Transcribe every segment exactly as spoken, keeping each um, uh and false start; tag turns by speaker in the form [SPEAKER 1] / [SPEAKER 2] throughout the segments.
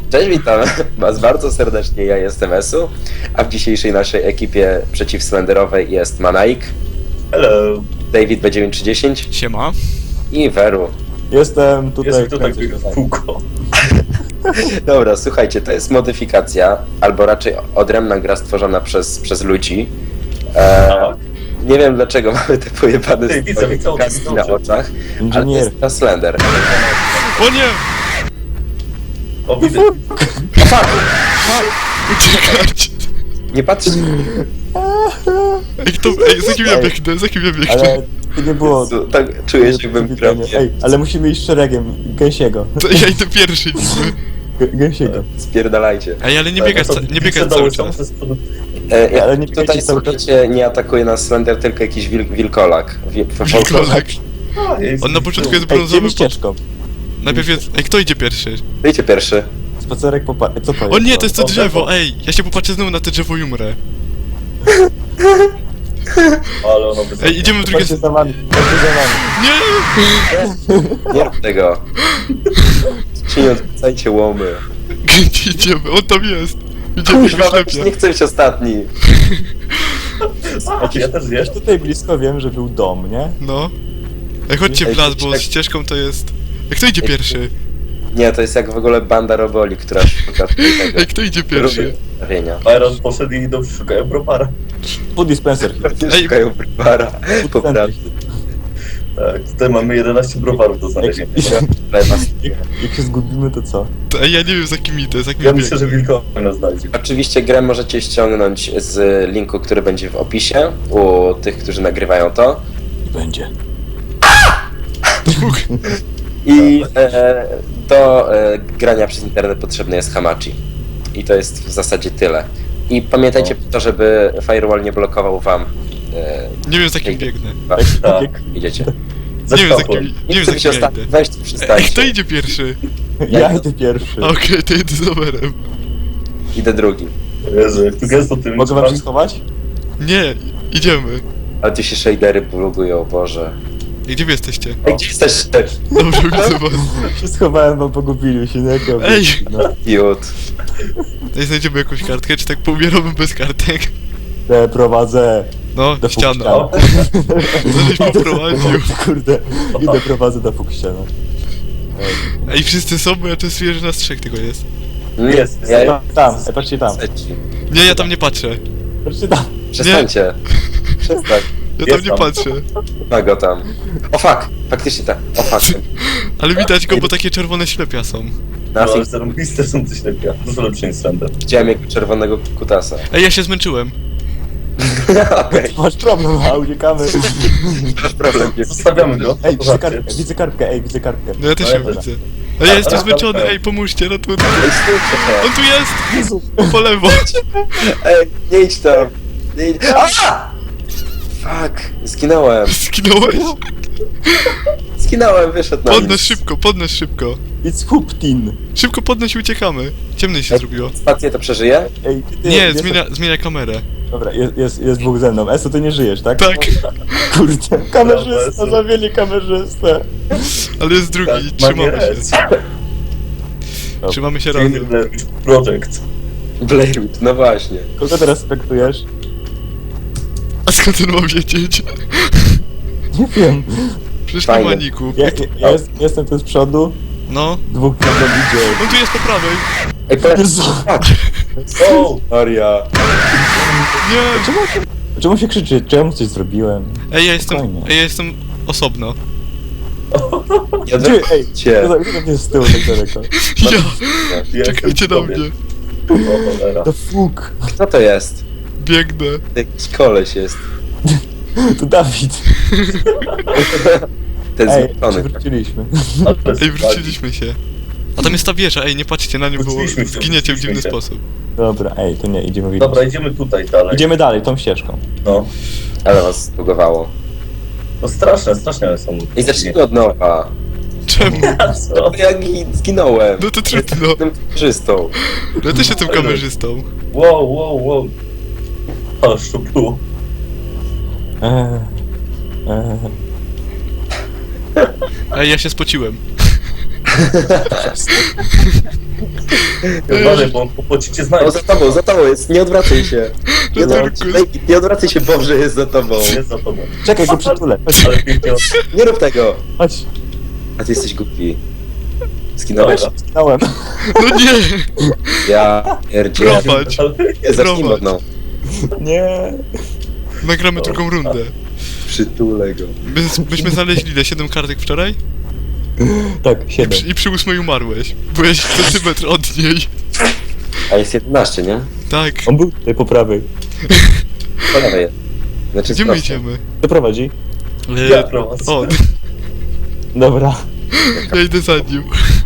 [SPEAKER 1] Cześć, witam was bardzo serdecznie, ja jestem Esu, a w dzisiejszej naszej ekipie przeciwslenderowej jest Manaik,
[SPEAKER 2] Hello.
[SPEAKER 1] David B dziewięć trzy jeden zero
[SPEAKER 3] Siema.
[SPEAKER 1] i Veru.
[SPEAKER 4] Jestem tutaj.
[SPEAKER 2] Jest tutaj w kółko.
[SPEAKER 1] Dobra, słuchajcie, to jest modyfikacja, albo raczej odrębna gra stworzona przez, przez ludzi. E,
[SPEAKER 2] Tak.
[SPEAKER 1] nie wiem dlaczego mamy te pojebane
[SPEAKER 2] Ty, widzę, widzę,
[SPEAKER 1] kaski
[SPEAKER 2] widzę,
[SPEAKER 1] na
[SPEAKER 2] widzę.
[SPEAKER 1] oczach, ale to
[SPEAKER 4] Inżynier.
[SPEAKER 1] jest ta Slender.
[SPEAKER 3] O nie!
[SPEAKER 2] O, widzę.
[SPEAKER 3] Uciekać!
[SPEAKER 1] Nie patrzcie,
[SPEAKER 3] Ej, kto, ej, za kim ja
[SPEAKER 4] Ej.
[SPEAKER 3] biegnę, za kim ja biegnę?
[SPEAKER 4] Ale to nie było.
[SPEAKER 1] tak czuję się, jakbym grał.
[SPEAKER 4] Ej, ale musimy iść szeregiem gęsiego.
[SPEAKER 3] To ja idę pierwszy niby.
[SPEAKER 4] G- Gęsiego.
[SPEAKER 1] Spierdalajcie.
[SPEAKER 3] Ej, ale nie biegać, ca- nie biegać cały czas.
[SPEAKER 1] E, ja,
[SPEAKER 4] Ale nie
[SPEAKER 1] tutaj
[SPEAKER 4] biegajcie cały czas.
[SPEAKER 1] słuchajcie, nie atakuje nas Slender, tylko jakiś wilk, wilkolak. Wi-
[SPEAKER 3] Wilkolak. On na początku jest
[SPEAKER 4] Ej,
[SPEAKER 3] brązowy,
[SPEAKER 4] idziemy ścieżką.
[SPEAKER 3] najpierw jest... Ej, kto idzie pierwszy?
[SPEAKER 1] Wyjdźcie pierwszy.
[SPEAKER 4] Spacerek po pa... Co to jest?
[SPEAKER 3] O nie, to jest to
[SPEAKER 2] O,
[SPEAKER 3] drzewo,
[SPEAKER 2] drzewo.
[SPEAKER 3] ej! Ja się popatrzę znowu na to drzewo i umrę.
[SPEAKER 2] Ale ono wysokie.
[SPEAKER 3] Ej, idziemy w drugie...
[SPEAKER 4] Chodźcie za wami, chodźcie za wami.
[SPEAKER 3] Nie!
[SPEAKER 1] Nie rób tego. Ci nie odwracajcie łomy.
[SPEAKER 3] Gdzie idziemy? On tam jest! Idziemy już
[SPEAKER 1] Kurwa,
[SPEAKER 3] lepiej.
[SPEAKER 1] nie chcę być ostatni.
[SPEAKER 2] A, ja też wiesz?
[SPEAKER 4] Gdzieś tutaj blisko wiem, że był dom, nie?
[SPEAKER 3] No. Ej, chodźcie
[SPEAKER 1] Ej,
[SPEAKER 3] w las, bo
[SPEAKER 1] tak-
[SPEAKER 3] ścieżką to jest... Ej, kto idzie pierwszy?
[SPEAKER 1] Nie, to jest jak w ogóle banda roboli, która szuka tego
[SPEAKER 3] Ej, kto idzie pierwszy?
[SPEAKER 1] trafienia.
[SPEAKER 2] Byron poszedł i idą, szukają browara.
[SPEAKER 4] Food dispenser.
[SPEAKER 3] Ej.
[SPEAKER 1] Szukają browara. Poprawnie.
[SPEAKER 2] Tak, tutaj mamy jedenaście browarów do
[SPEAKER 4] Jak,
[SPEAKER 2] znalezienia.
[SPEAKER 4] jak, jak się zgubimy, to co?
[SPEAKER 3] To- Ej, ja nie wiem za kim idę, za kim
[SPEAKER 2] Ja
[SPEAKER 3] biegnę.
[SPEAKER 2] myślę, że wilkołak nas znajdzie.
[SPEAKER 1] Oczywiście grę możecie ściągnąć z linku, który będzie w opisie u tych, którzy nagrywają to.
[SPEAKER 4] I będzie.
[SPEAKER 3] Dwóch.
[SPEAKER 1] I e, do e, grania przez internet potrzebny jest Hamachi. I to jest w zasadzie tyle. I pamiętajcie to, żeby firewall nie blokował wam. E,
[SPEAKER 3] Nie wiem za kim
[SPEAKER 1] Ej.
[SPEAKER 3] biegnę.
[SPEAKER 2] Tak.
[SPEAKER 4] Jak,
[SPEAKER 1] idziecie.
[SPEAKER 2] Za
[SPEAKER 3] Nie wiem za
[SPEAKER 2] sztabą.
[SPEAKER 3] kim, nie
[SPEAKER 1] Nie
[SPEAKER 3] wiem za
[SPEAKER 1] chcę
[SPEAKER 3] kim
[SPEAKER 1] być
[SPEAKER 3] ja
[SPEAKER 1] ostatni,
[SPEAKER 3] idę.
[SPEAKER 1] weźcie,
[SPEAKER 3] Ej, kto
[SPEAKER 1] przestańcie.
[SPEAKER 3] idzie pierwszy?
[SPEAKER 4] ja idę pierwszy.
[SPEAKER 3] Okej, to idę z numerem.
[SPEAKER 1] Idę drugi.
[SPEAKER 2] Jezu, jak tu gęsto tym
[SPEAKER 4] Mogę wam się schować?
[SPEAKER 3] Nie, idziemy.
[SPEAKER 1] Ale tu się shadery bugują, Boże.
[SPEAKER 3] Ej, gdzie wy jesteście?
[SPEAKER 1] Ej, gdzie jesteście?
[SPEAKER 3] Dobrze, widzę was.
[SPEAKER 4] Się schowałem, bo pogubili się. No, jak ja
[SPEAKER 3] Ej.
[SPEAKER 4] no.
[SPEAKER 1] Idiot.
[SPEAKER 3] Ej, znajdziemy jakąś kartkę, czy tak poumieramy bez kartek?
[SPEAKER 4] Te prowadzę.
[SPEAKER 3] No,
[SPEAKER 4] Do
[SPEAKER 3] ściana.
[SPEAKER 2] O,
[SPEAKER 3] Co żeś poprowadził?
[SPEAKER 4] Kurde, idę prowadzę do Fuksiana.
[SPEAKER 3] Ej, wszyscy są, bo ja to słyszę, że nas trzech tylko jest.
[SPEAKER 2] Jest,
[SPEAKER 1] Ja,
[SPEAKER 2] jest.
[SPEAKER 4] Tam, ej, patrzcie tam.
[SPEAKER 3] Nie, ja tam nie patrzę.
[SPEAKER 4] Patrzcie tam.
[SPEAKER 1] Przestańcie. Przestań.
[SPEAKER 3] Ja tam
[SPEAKER 2] Jest
[SPEAKER 3] nie
[SPEAKER 2] tam.
[SPEAKER 3] patrzę.
[SPEAKER 1] Ma go tam. O fuck! Faktycznie tak. O fuck.
[SPEAKER 3] Ale widać go, bo takie czerwone ślepia są.
[SPEAKER 2] No, ale
[SPEAKER 1] Nothing.
[SPEAKER 2] zarąbiste są coś takiego. Dużo lepsze niż Slender.
[SPEAKER 1] Widziałem jego czerwonego kutasa.
[SPEAKER 3] Ej, ja się zmęczyłem.
[SPEAKER 1] Okej,
[SPEAKER 4] Masz problem, a uciekamy.
[SPEAKER 1] masz problem. Nie
[SPEAKER 2] Zostawiamy go.
[SPEAKER 4] Ej, widzę
[SPEAKER 2] Zobaczcie.
[SPEAKER 4] kartkę, widzę kartkę, ej, widzę kartkę.
[SPEAKER 3] No ja też
[SPEAKER 2] No,
[SPEAKER 3] ją
[SPEAKER 2] ja też.
[SPEAKER 3] widzę. Ej, ja jestem zmęczony, ej, pomóżcie, no tu...
[SPEAKER 1] Ej, stójcie.
[SPEAKER 3] On tu jest!
[SPEAKER 4] Jezu.
[SPEAKER 3] Po lewo.
[SPEAKER 1] Ej, nie idź tam. Nie idź. A! Fuck. Zginąłem.
[SPEAKER 3] Skinąłeś?
[SPEAKER 1] Zginąłem, wyszedł na
[SPEAKER 3] Podnoś
[SPEAKER 1] nic.
[SPEAKER 3] szybko, podnoś szybko.
[SPEAKER 4] It's Hooptin.
[SPEAKER 3] Szybko podnoś i uciekamy. Ciemniej się
[SPEAKER 1] Ej,
[SPEAKER 3] zrobiło.
[SPEAKER 1] Spację to przeżyje?
[SPEAKER 4] Ej, ty,
[SPEAKER 3] Nie,
[SPEAKER 4] jest-
[SPEAKER 3] zmienia, zmienia kamerę.
[SPEAKER 4] Dobra, jest, jest, jest dwóch ze mną. Eso, ty nie żyjesz, tak?
[SPEAKER 3] Tak,
[SPEAKER 4] Kurde, kamerzysta,
[SPEAKER 2] Esu.
[SPEAKER 4] zawieli kamerzystę.
[SPEAKER 3] ale jest drugi,
[SPEAKER 2] Tak,
[SPEAKER 3] trzymamy się.
[SPEAKER 2] Manierec.
[SPEAKER 3] Trzymamy się
[SPEAKER 2] Czyli
[SPEAKER 3] razem.
[SPEAKER 2] Blair Witch Project.
[SPEAKER 1] Blair Witch, no właśnie.
[SPEAKER 4] Kogo teraz spektujesz?
[SPEAKER 3] A skąd on ma wiedzieć?
[SPEAKER 4] Nie wiem.
[SPEAKER 3] Przecież nie
[SPEAKER 1] Fajnie.
[SPEAKER 3] ma niku.
[SPEAKER 4] Ja, ja, ja jest, jestem tu z przodu,
[SPEAKER 3] No,
[SPEAKER 4] dwóch za mną idzie.
[SPEAKER 3] on tu jest po prawej.
[SPEAKER 1] Ej, polecam.
[SPEAKER 4] Jezu.
[SPEAKER 1] Fuck.
[SPEAKER 2] O!
[SPEAKER 1] Maria.
[SPEAKER 3] Nie!
[SPEAKER 4] Czemu się, czemu się krzyczy? Czemu coś zrobiłem?
[SPEAKER 3] Ej, ja jestem,
[SPEAKER 4] Spokojnie.
[SPEAKER 3] ej, ja jestem osobno.
[SPEAKER 1] Ja
[SPEAKER 4] Gdzie? Ej,
[SPEAKER 1] cię.
[SPEAKER 4] co jest z tyłu tak daleko?
[SPEAKER 3] Ja!
[SPEAKER 2] Ja
[SPEAKER 3] Czekajcie
[SPEAKER 2] jestem
[SPEAKER 3] na
[SPEAKER 2] w tobie.
[SPEAKER 3] mnie.
[SPEAKER 2] O cholera.
[SPEAKER 4] To fuk.
[SPEAKER 1] Kto to jest?
[SPEAKER 3] Biegnę.
[SPEAKER 1] Jakiś koleś jest.
[SPEAKER 4] To Dawid.
[SPEAKER 1] Ten
[SPEAKER 4] Ej,
[SPEAKER 1] zmęczony.
[SPEAKER 4] przywróciliśmy.
[SPEAKER 2] Ale
[SPEAKER 3] Ej, wróciliśmy się. A tam jest ta wieża, ej, nie patrzcie na nią, bo
[SPEAKER 2] Wróciliśmy się,
[SPEAKER 3] zginiecie w dziwny
[SPEAKER 2] wróciliśmy się.
[SPEAKER 3] sposób.
[SPEAKER 4] Dobra, ej, to nie, idziemy w
[SPEAKER 2] Dobra, idziemy tutaj dalej.
[SPEAKER 4] Idziemy dalej, tą ścieżką.
[SPEAKER 2] No.
[SPEAKER 1] Ale was zbugowało.
[SPEAKER 2] No straszne, straszne są.
[SPEAKER 1] I zacznijmy od nowa.
[SPEAKER 3] Czemu?
[SPEAKER 2] Co?
[SPEAKER 1] No bo ja gi- zginąłem.
[SPEAKER 3] No to trudno.
[SPEAKER 1] Tym kamerzystą.
[SPEAKER 3] Ja też jestem kamerzystą.
[SPEAKER 2] Wow, wow, wow. Ale szczupło.
[SPEAKER 4] Eee, eee.
[SPEAKER 3] Ej, ja się spociłem.
[SPEAKER 2] Uważaj, bo on po pocie cię
[SPEAKER 1] O,
[SPEAKER 2] znajdzie.
[SPEAKER 1] za tobą, za tobą jest, nie odwracaj się. Nie odwracaj się, David, nie odwracaj się, Boże jest za tobą.
[SPEAKER 2] Jest za tobą.
[SPEAKER 4] Czekaj, go przytulę. Chodź,
[SPEAKER 2] Ale pięknie on...
[SPEAKER 1] Nie rób tego.
[SPEAKER 4] chodź.
[SPEAKER 1] A ty jesteś głupi. Skinąłeś?
[SPEAKER 2] Dobra.
[SPEAKER 4] Dałem.
[SPEAKER 3] No nie!
[SPEAKER 1] Ja pierdzielę.
[SPEAKER 3] Prowadź.
[SPEAKER 2] Ale...
[SPEAKER 1] Zacznijmy od no.
[SPEAKER 4] Nie.
[SPEAKER 3] Nagramy drugą rundę.
[SPEAKER 1] Przytulę go.
[SPEAKER 3] My, myśmy znaleźli ile? siedem kartek wczoraj?
[SPEAKER 4] Tak,
[SPEAKER 3] I
[SPEAKER 4] siedem.
[SPEAKER 3] przy, I przy ósmej umarłeś. Byłeś centymetr od niej.
[SPEAKER 1] A jest jedenaście, nie?
[SPEAKER 3] Tak.
[SPEAKER 4] On był tutaj po prawej.
[SPEAKER 1] Po lewej. Znaczy
[SPEAKER 3] Gdzie my
[SPEAKER 1] prosto.
[SPEAKER 3] idziemy?
[SPEAKER 4] Kto prowadzi?
[SPEAKER 2] Ja
[SPEAKER 3] E,
[SPEAKER 2] prowadzę.
[SPEAKER 3] on.
[SPEAKER 4] Dobra.
[SPEAKER 3] Ja idę za nim.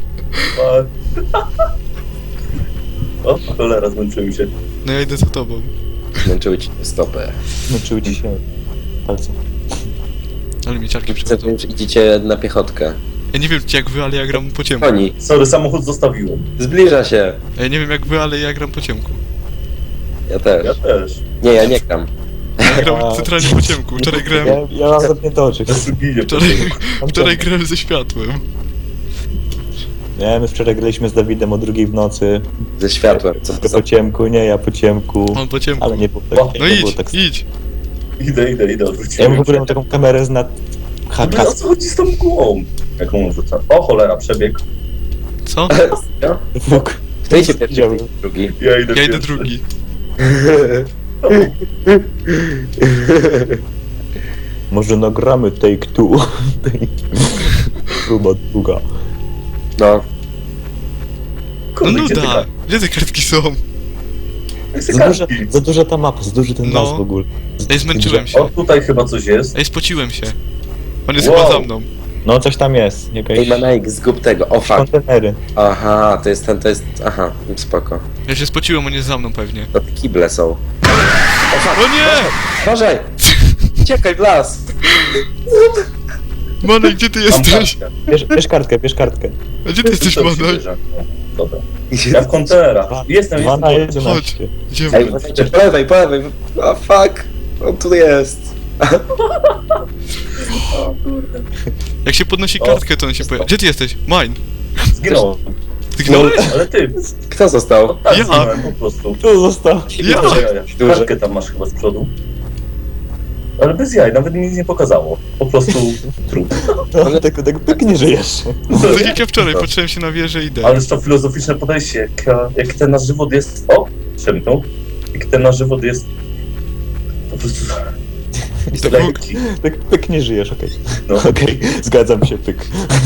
[SPEAKER 2] O, cholera, zmęczyłem się.
[SPEAKER 3] No ja idę za tobą.
[SPEAKER 1] Zmęczyły ci stopę.
[SPEAKER 4] Męczyły ci się palce.
[SPEAKER 3] Ale mi ciarki
[SPEAKER 1] Chcę,
[SPEAKER 3] przychodzą.
[SPEAKER 1] że idziecie na piechotkę.
[SPEAKER 3] Ja nie wiem jak wy, ale ja gram po ciemku.
[SPEAKER 1] Oni,
[SPEAKER 2] Sorry, samochód zostawiłem.
[SPEAKER 1] zbliża się.
[SPEAKER 3] Ja nie wiem jak wy, ale ja gram po ciemku.
[SPEAKER 1] Ja też.
[SPEAKER 2] Ja też.
[SPEAKER 1] Nie, ja nie gram.
[SPEAKER 3] Ja gram
[SPEAKER 4] A.
[SPEAKER 3] centralnie po ciemku. Wczoraj grałem...
[SPEAKER 4] Ja, ja mam zamknięte oczy.
[SPEAKER 2] Ginie.
[SPEAKER 3] Wczoraj, wczoraj grałem ze światłem.
[SPEAKER 4] Nie, my wczoraj graliśmy z Dawidem o drugiej w nocy.
[SPEAKER 1] Ze światłem. Co to
[SPEAKER 4] Tylko
[SPEAKER 1] za...
[SPEAKER 4] po ciemku, nie, ja po ciemku.
[SPEAKER 3] On po ciemku.
[SPEAKER 4] Ale nie było
[SPEAKER 2] O,
[SPEAKER 4] tak.
[SPEAKER 3] No
[SPEAKER 4] nie
[SPEAKER 3] idź,
[SPEAKER 4] było tak.
[SPEAKER 3] idź.
[SPEAKER 2] Idę, idę, idę,
[SPEAKER 4] Ja
[SPEAKER 2] odwróciłem
[SPEAKER 4] w ogóle
[SPEAKER 2] się.
[SPEAKER 4] mam taką kamerę z nad... Ha,
[SPEAKER 2] Ale o
[SPEAKER 4] kas...
[SPEAKER 2] co chodzi z tą mgłą? Jaką on rzuca? O cholera, przebieg.
[SPEAKER 3] Co?
[SPEAKER 1] Ja?
[SPEAKER 4] Fuk.
[SPEAKER 1] Kto idzie pierwszy,
[SPEAKER 4] Widziałem.
[SPEAKER 1] drugi?
[SPEAKER 2] Ja idę
[SPEAKER 3] Ja idę
[SPEAKER 2] pierwszy.
[SPEAKER 3] drugi.
[SPEAKER 4] Może nagramy take two. Próba druga.
[SPEAKER 1] No.
[SPEAKER 3] No
[SPEAKER 2] Kurde, gdzie ty
[SPEAKER 3] nuda.
[SPEAKER 2] ka-
[SPEAKER 3] Gdzie te kartki są?
[SPEAKER 2] Jak te
[SPEAKER 4] Za duża,
[SPEAKER 2] kartki?
[SPEAKER 4] za duża ta mapa, za duży ten
[SPEAKER 3] No.
[SPEAKER 4] las w ogóle.
[SPEAKER 3] Ej, zmęczyłem się.
[SPEAKER 2] O, tutaj chyba coś jest.
[SPEAKER 3] Ej, spociłem się. On jest
[SPEAKER 2] Wow.
[SPEAKER 3] chyba za mną.
[SPEAKER 4] No coś tam jest,
[SPEAKER 1] Ej,
[SPEAKER 4] jakieś
[SPEAKER 1] Manaik, zgub tego. O, fuck.
[SPEAKER 4] kontenery.
[SPEAKER 1] Aha, to jest ten, to jest... Aha, spoko.
[SPEAKER 3] Ja się spociłem, on jest za mną pewnie.
[SPEAKER 1] To te kible są.
[SPEAKER 3] O nie!
[SPEAKER 1] Uważaj! Uciekaj w las!
[SPEAKER 3] Manek, gdzie ty
[SPEAKER 2] Mam
[SPEAKER 3] jesteś?
[SPEAKER 2] kartkę.
[SPEAKER 4] Bierz, bierz kartkę, bierz kartkę.
[SPEAKER 3] A gdzie ty jesteś,
[SPEAKER 2] To ci
[SPEAKER 3] Manek?
[SPEAKER 2] bierze. O, Dobra. Ja w kontenerach. Jestem,
[SPEAKER 4] Dwa
[SPEAKER 2] jestem.
[SPEAKER 4] na jedenaście.
[SPEAKER 1] Ej,
[SPEAKER 3] Idziemy.
[SPEAKER 1] uważajcie, po lewej, po lewej. O, fuck! On tu jest.
[SPEAKER 3] Jak się podnosi
[SPEAKER 2] O,
[SPEAKER 3] kartkę, to on się pojawia. Gdzie ty jesteś? Mine.
[SPEAKER 2] Zginąłem.
[SPEAKER 3] Zginąłeś?
[SPEAKER 2] Ale ty,
[SPEAKER 1] Kto został?
[SPEAKER 2] tak
[SPEAKER 3] Ja.
[SPEAKER 2] zginąłem po prostu.
[SPEAKER 4] Tu został.
[SPEAKER 3] Ja!
[SPEAKER 1] Duże.
[SPEAKER 2] Kartkę tam masz chyba z przodu. Ale bez jaj, nawet mi nic nie pokazało. Po prostu trup.
[SPEAKER 4] No, tak, tak pyknie, że jeszcze.
[SPEAKER 3] Tak jak ja wczoraj, patrzyłem się na wieżę i idę.
[SPEAKER 2] Ale to filozoficzne podejście, jak, jak ten nasz żywot jest... O! Przemknął. Jak ten nasz żywot jest... Po prostu... Jest
[SPEAKER 3] To
[SPEAKER 2] lekki.
[SPEAKER 4] Tak pyknie żyjesz, okej.
[SPEAKER 2] No.
[SPEAKER 4] Okej, zgadzam się, pyk.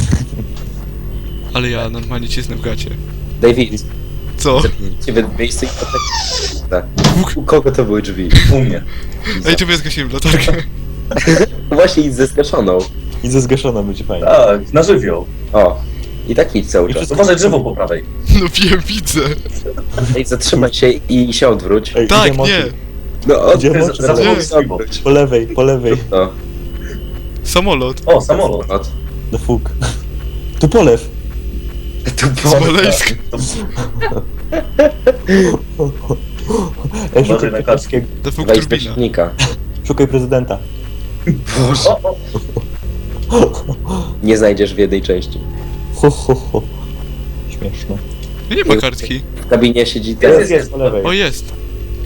[SPEAKER 3] Ale ja normalnie cisnę w gacie.
[SPEAKER 1] David,
[SPEAKER 3] Co?
[SPEAKER 1] ciebie w miejscu i potem... U kogo to były drzwi?
[SPEAKER 2] U mnie.
[SPEAKER 3] Ej, czemu ja zgasiłem latarkę?
[SPEAKER 1] Właśnie idź ze skaszoną.
[SPEAKER 4] I ze zgaszona będzie fajnie.
[SPEAKER 2] Tak, na żywioł.
[SPEAKER 1] O. I tak idź cały
[SPEAKER 4] I
[SPEAKER 1] czas.
[SPEAKER 4] wszystko-
[SPEAKER 2] Uważaj drzewo po prawej.
[SPEAKER 3] No wiem, widzę.
[SPEAKER 1] Ej, zatrzymaj się i się odwróć.
[SPEAKER 4] Ej,
[SPEAKER 3] Tak,
[SPEAKER 4] idzie mocy.
[SPEAKER 3] nie.
[SPEAKER 1] No,
[SPEAKER 4] Idzie
[SPEAKER 2] Ty,
[SPEAKER 4] mocy.
[SPEAKER 2] za- za-
[SPEAKER 3] Nie.
[SPEAKER 2] za-
[SPEAKER 4] Po lewej, po lewej.
[SPEAKER 1] No.
[SPEAKER 3] Samolot.
[SPEAKER 2] O, samolot.
[SPEAKER 1] Od.
[SPEAKER 4] No fuk. Tu polew.
[SPEAKER 1] Tu po...
[SPEAKER 3] Smoleńsk.
[SPEAKER 2] To,
[SPEAKER 4] Ej,
[SPEAKER 2] Uważaj
[SPEAKER 4] szukaj
[SPEAKER 2] na
[SPEAKER 4] Kwiatkowskiego.
[SPEAKER 3] To fuk
[SPEAKER 1] Wejdź do
[SPEAKER 3] turbina.
[SPEAKER 1] silnika.
[SPEAKER 4] Szukaj prezydenta.
[SPEAKER 1] Boże.
[SPEAKER 2] o, o.
[SPEAKER 1] Nie znajdziesz w jednej części.
[SPEAKER 4] Ho, ho, ho. Śmieszne.
[SPEAKER 3] No nie ma kartki.
[SPEAKER 1] W kabinie siedzi
[SPEAKER 2] Jest,
[SPEAKER 1] ten
[SPEAKER 2] jest,
[SPEAKER 4] Jest po lewej.
[SPEAKER 3] O, jest.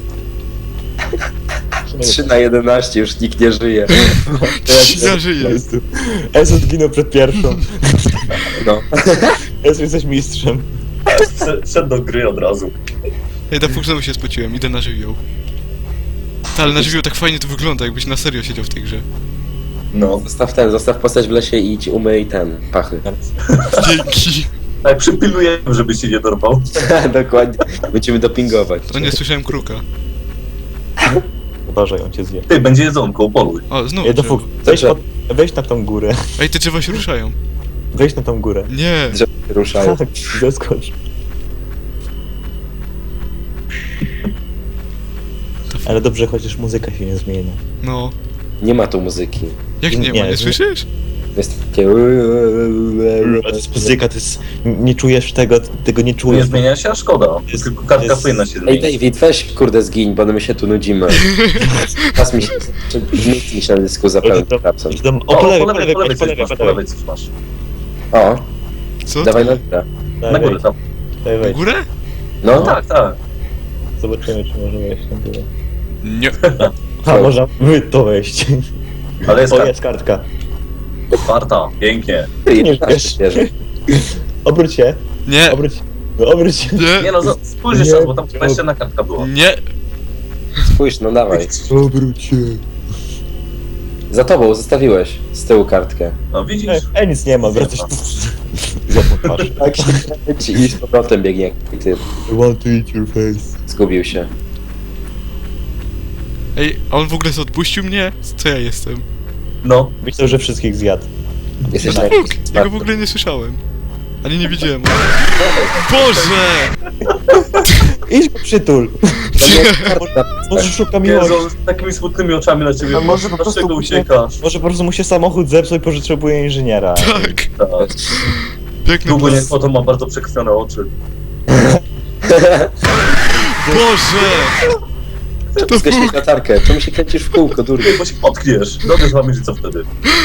[SPEAKER 1] trzy na jedenaście, już nikt nie żyje.
[SPEAKER 3] Ja żyję.
[SPEAKER 4] Esu zginął przed pierwszą.
[SPEAKER 1] No.
[SPEAKER 4] Esu, jesteś mistrzem.
[SPEAKER 2] Wszedł- Wszedł do gry od razu.
[SPEAKER 3] Ej, na fuk znowu się spociłem, idę na żywioł. Ta, ale na żywioł tak fajnie to wygląda, jakbyś na serio siedział w tej grze.
[SPEAKER 2] No.
[SPEAKER 1] Zostaw ten, zostaw postać w lesie i idź umyj ten, pachy.
[SPEAKER 3] Dzięki.
[SPEAKER 2] Tak, przypilnujemy, żebyś się nie dorwał.
[SPEAKER 1] Dokładnie. Będziemy dopingować.
[SPEAKER 3] O nie, słyszałem kruka.
[SPEAKER 4] Uważaj, on cię zje.
[SPEAKER 2] Ty, będzie jedzonko, poluj.
[SPEAKER 3] O, znowu
[SPEAKER 4] Ej, do
[SPEAKER 3] drzewo.
[SPEAKER 4] fuk. Wejdź, pod, wejdź na tą górę.
[SPEAKER 3] Ej, te drzewa się ruszają.
[SPEAKER 4] Wejdź na tą górę.
[SPEAKER 3] Nie.
[SPEAKER 1] Drzewa się ruszają.
[SPEAKER 4] Tak, zeskocz. Ale dobrze, chociaż muzyka się nie zmienia.
[SPEAKER 3] No.
[SPEAKER 1] Nie ma tu muzyki.
[SPEAKER 3] Jak nie ma,
[SPEAKER 4] Nie,
[SPEAKER 3] nie
[SPEAKER 4] nie.
[SPEAKER 3] słyszysz?
[SPEAKER 1] Jest takie...
[SPEAKER 4] To jest muzyka, to jest... Nie czujesz tego, tego nie
[SPEAKER 2] Nie
[SPEAKER 4] czujesz.
[SPEAKER 2] zmienia się, a szkoda.
[SPEAKER 4] Jest-
[SPEAKER 2] Tylko kartka
[SPEAKER 4] jest-
[SPEAKER 2] powinna się
[SPEAKER 1] Ej,
[SPEAKER 2] zmienić.
[SPEAKER 1] David, weź kurde zgiń, bo my się tu nudzimy. Czas mi się... Czy nic mi się na dysku zapełni rapsem.
[SPEAKER 4] O, po lewej, po lewej, po lewej, po
[SPEAKER 2] coś
[SPEAKER 4] lewej,
[SPEAKER 2] masz,
[SPEAKER 4] po
[SPEAKER 2] po
[SPEAKER 4] lewej.
[SPEAKER 2] lewej coś masz.
[SPEAKER 1] O,
[SPEAKER 3] Co?
[SPEAKER 1] dawaj na górę.
[SPEAKER 2] Na górę tam.
[SPEAKER 4] Daj
[SPEAKER 3] W
[SPEAKER 4] wejdź.
[SPEAKER 3] górę?
[SPEAKER 1] No,
[SPEAKER 2] Tak, tak.
[SPEAKER 4] Zobaczymy, czy może wejść na górę.
[SPEAKER 3] Nie.
[SPEAKER 4] A, można my to wejść.
[SPEAKER 2] Ale jest
[SPEAKER 4] O,
[SPEAKER 2] karta
[SPEAKER 4] jest kartka.
[SPEAKER 2] otwarta, pięknie.
[SPEAKER 1] ty
[SPEAKER 4] Nie
[SPEAKER 1] nie
[SPEAKER 4] wiesz.
[SPEAKER 1] wierzę.
[SPEAKER 4] Obróć się,
[SPEAKER 3] Nie.
[SPEAKER 4] obróć no, obróć się.
[SPEAKER 2] Nie
[SPEAKER 3] Nie.
[SPEAKER 2] no, za- spójrz jeszcze raz, bo tam chyba jeszcze jedna kartka była.
[SPEAKER 3] Nie.
[SPEAKER 1] Spójrz, no dawaj.
[SPEAKER 4] Obróć się.
[SPEAKER 1] Za tobą zostawiłeś z tyłu kartkę.
[SPEAKER 2] No widzisz?
[SPEAKER 4] Ej, ej, nic nie ma, wracasz. Zapomnisz.
[SPEAKER 1] Tak się kręci i z powrotem biegnie jak ty.
[SPEAKER 4] I want to eat your face.
[SPEAKER 1] Zgubił się.
[SPEAKER 3] Ej, a on w ogóle odpuścił mnie? Co ja jestem?
[SPEAKER 2] No.
[SPEAKER 4] Myślę, że wszystkich zjadł.
[SPEAKER 1] Jesteś
[SPEAKER 3] No
[SPEAKER 1] na
[SPEAKER 3] Bóg! Ja go w ogóle nie słyszałem. Ani nie widziałem. Boże!
[SPEAKER 4] Idź go przytul. Może szuka miłości.
[SPEAKER 2] Jezu, z takimi smutnymi oczami na ciebie.
[SPEAKER 4] A może po prostu
[SPEAKER 2] Dlaczego
[SPEAKER 4] później-
[SPEAKER 2] uciekasz?
[SPEAKER 4] Może po prostu mu się samochód zepsuł i potrzebuje inżyniera.
[SPEAKER 3] Tak!
[SPEAKER 2] Tak.
[SPEAKER 3] Piękny
[SPEAKER 2] Długo nie
[SPEAKER 3] głos.
[SPEAKER 2] foto ma bardzo przekrwione oczy.
[SPEAKER 3] Boże!
[SPEAKER 1] Czemu zgasiłeś latarkę? Czemu się kręcisz w kółko, durnie?
[SPEAKER 2] Bo się potkniesz. Dobierz wam co wtedy.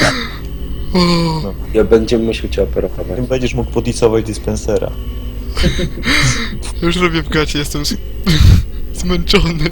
[SPEAKER 3] O,
[SPEAKER 1] Ja będziemy musiał cię operować.
[SPEAKER 4] Tym będziesz mógł podisować dispensera.
[SPEAKER 3] już robię w gacie, jestem z... zmęczony.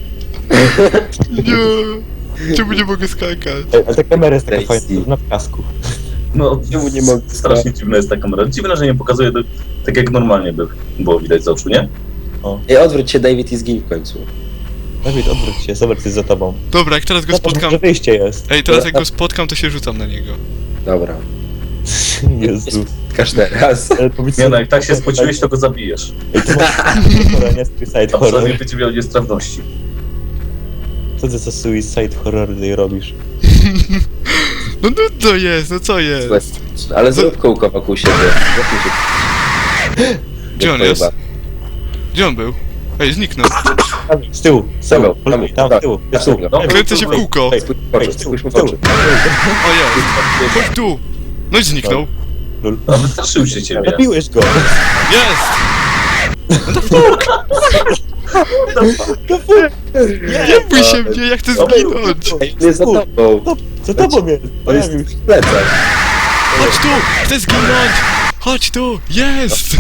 [SPEAKER 3] Nie! Czemu nie mogę skakać?
[SPEAKER 4] Ej, ale ta kamera jest taka
[SPEAKER 1] Tracy.
[SPEAKER 4] fajna, na w kasku.
[SPEAKER 2] No,
[SPEAKER 1] Czemu nie mogę?
[SPEAKER 2] strasznie dziwna jest ta kamera. Dziwne, że nie pokazuje do, tak jak normalnie by było widać z oczu, nie?
[SPEAKER 1] Ej, odwróć się, David, i zgiń w końcu.
[SPEAKER 4] Dawid, odwróć się, zobacz, co jest za tobą.
[SPEAKER 3] Dobra, jak teraz go
[SPEAKER 4] Zobacz,
[SPEAKER 3] spotkam...
[SPEAKER 4] może wyjście jest.
[SPEAKER 3] Ej, teraz jak go spotkam, to się rzucam na niego.
[SPEAKER 1] Dobra.
[SPEAKER 4] Jezu.
[SPEAKER 1] Każdy raz.
[SPEAKER 4] Ale powiedz
[SPEAKER 2] Nie no, jak tak się spociłeś, to go zabijesz.
[SPEAKER 4] Ej, to masz horror, nie suicide
[SPEAKER 2] A
[SPEAKER 4] horror.
[SPEAKER 2] przynajmniej będzie miał niestrawności.
[SPEAKER 4] Co ty za suicide horror tutaj robisz?
[SPEAKER 3] No nudno jest, no co jest?
[SPEAKER 1] Ale zrób kółko wokół siebie. Zrób się.
[SPEAKER 3] Gdzie on jest? Gdzie on był? Ej, zniknął.
[SPEAKER 4] Z tyłu, z tyłu,
[SPEAKER 1] Tam,
[SPEAKER 4] po lewej, tam,
[SPEAKER 1] tam,
[SPEAKER 4] z tyłu,
[SPEAKER 1] tam,
[SPEAKER 4] z tyłu.
[SPEAKER 1] tam.
[SPEAKER 2] No,
[SPEAKER 3] Kręcę się w kółko.
[SPEAKER 4] Ej,
[SPEAKER 1] Spójrz w
[SPEAKER 4] ej,
[SPEAKER 1] oczy,
[SPEAKER 4] z tyłu,
[SPEAKER 1] spójrz
[SPEAKER 4] z
[SPEAKER 1] w
[SPEAKER 4] tyłu.
[SPEAKER 1] oczy.
[SPEAKER 3] O jest. Chodź tu. No i zniknął.
[SPEAKER 4] Lul.
[SPEAKER 2] A wystraszył się ciebie.
[SPEAKER 4] Zabiłeś go!
[SPEAKER 3] Jest!
[SPEAKER 4] No fuck!
[SPEAKER 3] Nie bój się mnie, jak chcę zginąć!
[SPEAKER 1] Ej, on jest za tobą.
[SPEAKER 4] Co tobą jest?
[SPEAKER 1] On jest
[SPEAKER 4] Pojawił się.
[SPEAKER 1] w plecach.
[SPEAKER 3] Chodź tu! Chcę zginąć! Chodź tu! Jest!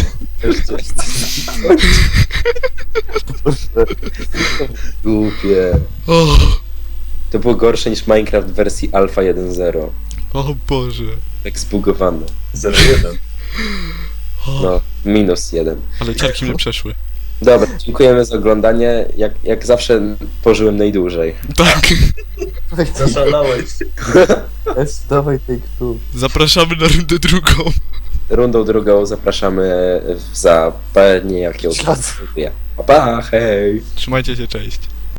[SPEAKER 1] Głupie.
[SPEAKER 3] O,
[SPEAKER 1] To było gorsze niż Minecraft w wersji Alpha jeden zero.
[SPEAKER 3] o Boże.
[SPEAKER 1] Tak zbugowane.
[SPEAKER 2] zero jeden.
[SPEAKER 3] O,
[SPEAKER 1] No, minus jeden.
[SPEAKER 3] ale ciarki mnie przeszły.
[SPEAKER 1] Dobra, dziękujemy za oglądanie. Jak, jak zawsze pożyłem najdłużej.
[SPEAKER 3] Tak.
[SPEAKER 2] Zaszalałeś.
[SPEAKER 4] Dawaj take two.
[SPEAKER 3] Zapraszamy na rundę drugą.
[SPEAKER 1] Rundą drugą zapraszamy za pewnie jakiegoś... Pa, pa, hej!
[SPEAKER 3] Trzymajcie się, cześć.